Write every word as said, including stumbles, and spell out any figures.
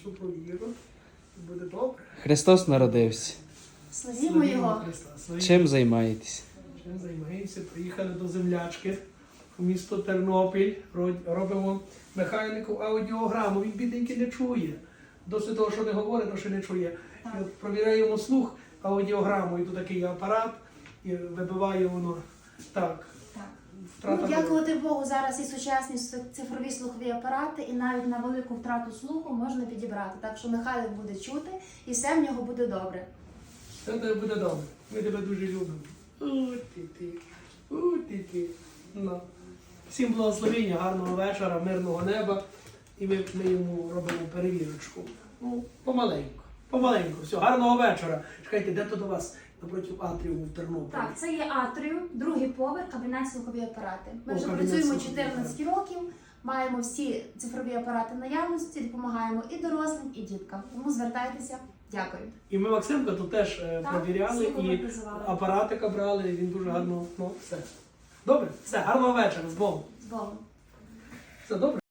цю провіру. Буде добре. Христос народився. Славімо Його. Христа. Славімо. Чим займаєтесь? Чим займаємося? Приїхали до землячки у місто Тернопіль. Ро- Робимо механіку аудіограму. Він бідненький не чує. Досить того, що не говорить, то що не чує. І от провіряємо слух аудіограму. І тут такий апарат, і вибиває воно так. Так. Втрата Ну, дякувати Богу, зараз і сучасні цифрові слухові апарати, і навіть на велику втрату слуху можна підібрати. Так що Михайлик буде чути, і все в нього буде добре. Все тебе буде добре. Ми тебе дуже любимо. У ти ти, у ти ти. Ну. Всім благословення, гарного вечора, мирного неба. І ми, ми йому робимо перевірочку. Ну, помаленьку. Помаленьку. Все, гарного вечора. Чекайте, де то до вас? Напроти атріуму в Тернополі. Так, це є атріум, другий поверх, кабінет слухові апарати. Ми О, вже кабінет працюємо слухові чотирнадцять років, маємо всі цифрові апарати наявності, допомагаємо і дорослим, і діткам. Тому звертайтеся. Дякую. І ми Максимка тут теж е, Так, провіряли всі і призивали. апаратика брали, він дуже гарно, ну, все. Добре, все, гарного вечора, з Богом. З Богом. Все добре?